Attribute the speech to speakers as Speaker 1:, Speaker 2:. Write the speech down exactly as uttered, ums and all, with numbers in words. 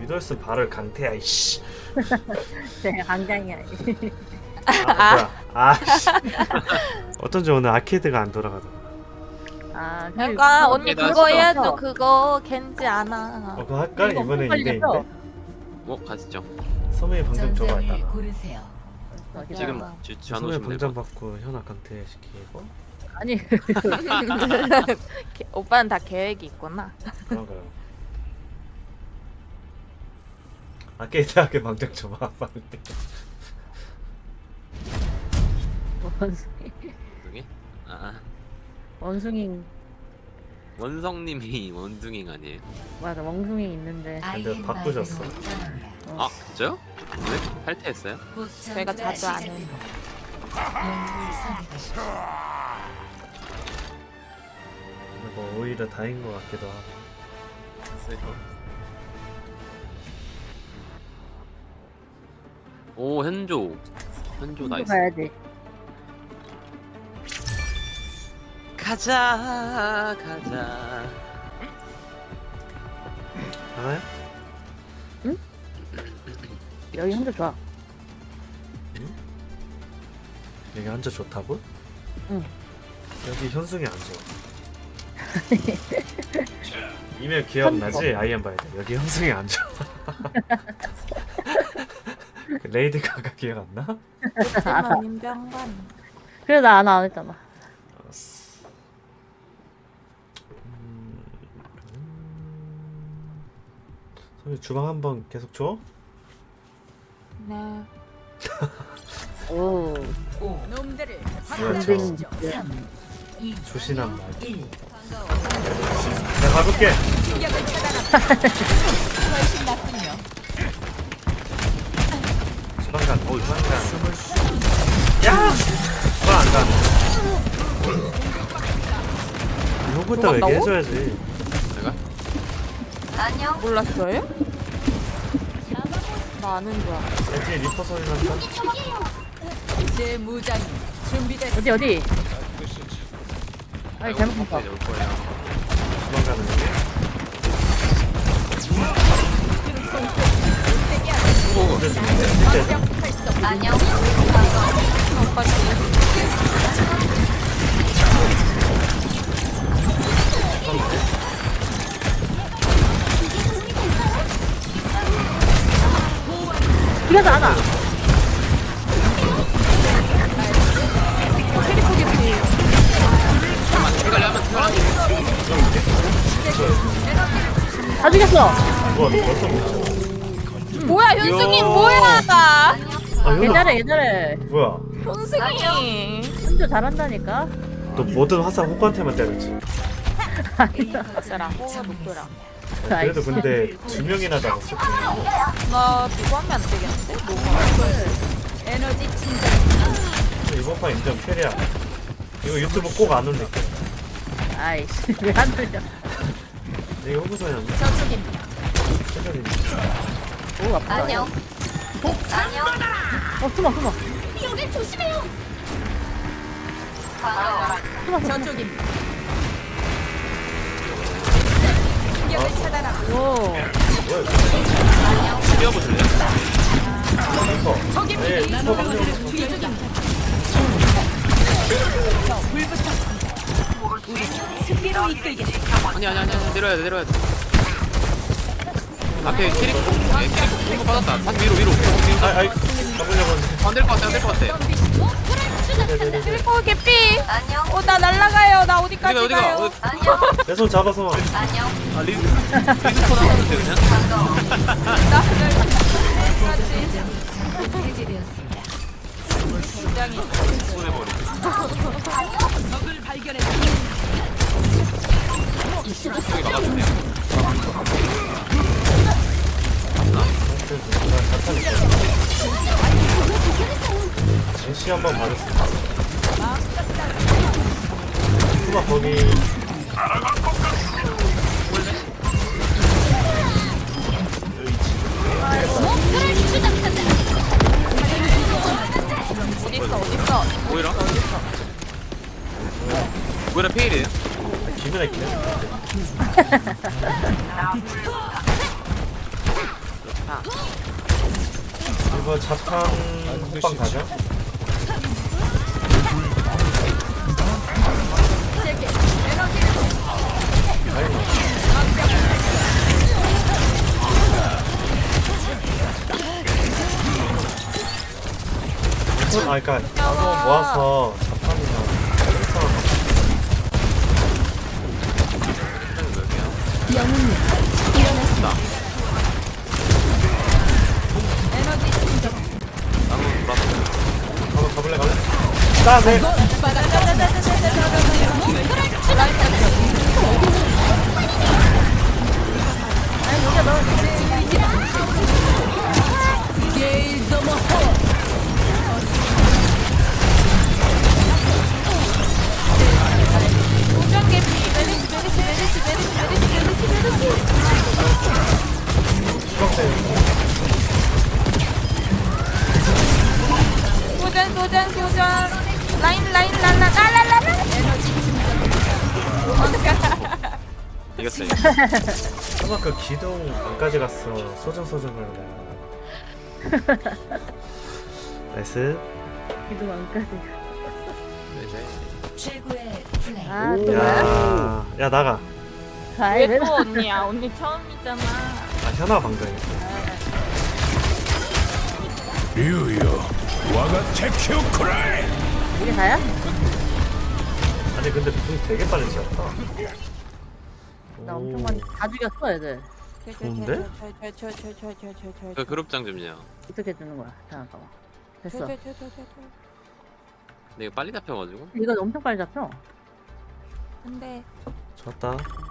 Speaker 1: 위도우스 발을 강태야 이씨.
Speaker 2: 제가 강장이야.
Speaker 1: 아 뭐야 아씨. 어쩐지 오늘 아케이드가 안 돌아가더라.
Speaker 2: 아,
Speaker 3: 그러니까 언니
Speaker 4: 나
Speaker 3: 그거
Speaker 4: 진짜
Speaker 3: 해야죠. 그거 겐지 안아.
Speaker 1: 어 그거 할까?
Speaker 2: 이거
Speaker 1: 이번에
Speaker 2: 빨리
Speaker 1: 이 대인데
Speaker 2: 했어.
Speaker 4: 뭐 가시죠.
Speaker 1: 소매의 방장 줘봐야
Speaker 5: 고르세요.
Speaker 4: 지금
Speaker 3: 야.
Speaker 4: 주
Speaker 1: 소매
Speaker 4: 주하노시면
Speaker 1: 방장
Speaker 4: 되고.
Speaker 1: 받고 현아 강태 시키고
Speaker 2: 아니
Speaker 3: 게- 오빠는 다 계획이 있구나.
Speaker 1: 그런가요? 아케이드하게 방장 줘봐 빨리.
Speaker 2: 원숭이
Speaker 4: 원숭이? 아
Speaker 2: 원숭이
Speaker 4: 원성님이 원숭이 아니에요?
Speaker 2: 맞아 원숭이 있는데
Speaker 1: 근데 바꾸셨어.
Speaker 4: 아 진짜요? 왜? 탈퇴했어요?
Speaker 3: 저희가 자주 안 해.
Speaker 1: 근데 뭐 오히려 다인 것 같기도 하고.
Speaker 4: 오 현조. 현조 나이스.
Speaker 2: 가야지.
Speaker 4: 가자 가자.
Speaker 1: 하나요?
Speaker 2: 여기 혼자 좋아.
Speaker 1: 여기 앉아 좋다고?
Speaker 2: 응.
Speaker 1: 여기 현승이 안 좋아. 이메일 기억나지? 아이엠 봐야 돼. 여기 현승이 안 좋아. 그 레이디 가가 기억 안 나?
Speaker 3: 하지만 임병관.
Speaker 2: 그래 나 안 안 했잖아.
Speaker 1: 알았어. 음, 선생님 주방 한번 계속 줘?
Speaker 3: 네.
Speaker 2: 오.
Speaker 5: 놈들을
Speaker 1: 그렇죠.
Speaker 5: 삼, 이,
Speaker 1: 조신한 말.
Speaker 5: 일.
Speaker 1: 내가 가볼게.
Speaker 5: 충격을 차단한다. 훨씬 낫군요.
Speaker 1: 주방간. 오 주방간. 야! 주방 안 가네. 이거부터
Speaker 3: 들어간다고?
Speaker 1: 얘기해줘야지.
Speaker 4: 내가?
Speaker 3: 몰랐어요? 나 아는 줄 알아.
Speaker 1: 여기 리퍼 소리 난다.
Speaker 5: 제 무장이 준비됐어.
Speaker 2: 어디 어디? 아니 잘못 봤어.
Speaker 4: 이제 올 거예요.
Speaker 1: 주방간은 여기. 이제 좀 이제
Speaker 5: 안녕.
Speaker 3: 오빠 지금
Speaker 2: 그래서 안 와.
Speaker 4: 해갈래 하면 편하게.
Speaker 2: 다 죽였어.
Speaker 1: 뭐야 너 벌써 먹자.
Speaker 3: 뭐야 현승이
Speaker 4: 야.
Speaker 3: 뭐야 나.
Speaker 1: 아 현아.
Speaker 2: 얘잘해 얘잘해.
Speaker 1: 뭐야?
Speaker 3: 현승이.
Speaker 2: 혼자 잘한다니까.
Speaker 1: 너 모든 화살 호구한테만 때렸지.
Speaker 3: 어쩌라 호가 높더라.
Speaker 1: 그래도 근데 두 명이나 잡았어.
Speaker 3: 나 이거 하면 안 되겠는데? 뭐가?
Speaker 5: 에너지 충전.
Speaker 1: 이번 판 인정 캐리야. 이거 유튜브 꼭 안 올릴게.
Speaker 2: 아이씨 왜 안 들려?
Speaker 1: 이게 호구소였나?
Speaker 5: 저쪽입니다.
Speaker 1: 최근에
Speaker 2: 오 아프다.
Speaker 5: 안녕. 안녕.
Speaker 2: 어 숨어 숨어.
Speaker 5: 여길 조심해요.
Speaker 2: 숨어 숨어.
Speaker 5: 저쪽입니다. 충격을 차단하고.
Speaker 2: 오.
Speaker 1: 뭐야 이거?
Speaker 4: 뛰어보실래요?
Speaker 1: 리퍼.
Speaker 5: 저기입니다.
Speaker 1: 네, 리퍼 방금.
Speaker 5: 뒤쪽입니다. 저 불붙었습니다. 우리 승리로 이끌겠습니다.
Speaker 4: 아니 아니 아니 아니 내려야 돼 내려야 돼. 앞에 캐릭 네, 캐릭 공부 받았다. 다시 위로 위로. 위로.
Speaker 1: 아, 아이, 가보려고 했는데.
Speaker 4: 안될 것 같아 안될 것 같아.
Speaker 1: 네네네.
Speaker 3: 트리코 개피.
Speaker 5: 안녕.
Speaker 3: 어 나 날라가요. 나 어디까지
Speaker 4: 어디가 어디가
Speaker 3: 가요?
Speaker 4: 어디?
Speaker 5: 안녕.
Speaker 1: 내 손 잡아서.
Speaker 5: 안녕.
Speaker 4: 아 리스 리스폰 하면 돼 그냥.
Speaker 5: 해제되었습니다.
Speaker 3: 굉장히
Speaker 4: 보내버리.
Speaker 5: 적을 발견했습니다.
Speaker 4: 저기 막아주네요.
Speaker 1: 제시 한번 받았습니다. 수박 거기.
Speaker 3: 어딨어 어딨어?
Speaker 4: 오히려? 오히려 페일이에요.
Speaker 1: 기분에 기네.
Speaker 3: 아.
Speaker 1: 이거 자탄 호빵 가자. 아, 그니까 나도 모아서 자판이나 헬스랑
Speaker 5: 영웅님 일어났습니다.
Speaker 4: 나는 돌아서
Speaker 1: 한번 가볼래 갈래? 따세.
Speaker 3: 소정 개피 메르시 메르시 메르시 메르시 메르시 메르시 메르시. 소전 소전 소전. 라인 라인 랄라 랄랄랄라.
Speaker 4: 이겼어.
Speaker 1: 아까 그 기둥 안까지 갔어. 소정 소정을 내가. 나이스.
Speaker 2: 기둥 안까지.
Speaker 5: 최고의 플레이.
Speaker 2: 아, 또 뭐야?
Speaker 1: 야, 야 나가.
Speaker 2: 아이, 왜
Speaker 3: 왜 또
Speaker 2: 나-
Speaker 3: 언니야? 언니 처음이잖아.
Speaker 1: 아 현아 방금.
Speaker 6: 류요 와가 테키오쿠라이
Speaker 2: 이게 다야?
Speaker 1: 아니 근데 분 되게 빨리 지었다.
Speaker 2: 나
Speaker 1: 오.
Speaker 2: 엄청 많이 다 죽였어, 애들.
Speaker 1: 좋은데?
Speaker 4: 그 그룹장 좀요.
Speaker 2: 어떻게 주는 거야? 잠깐만. 됐어.
Speaker 4: 근데 이거 빨리 잡혀가지고.
Speaker 2: 이거 엄청 빨리 잡혀.
Speaker 3: 안돼.
Speaker 1: 좋았다.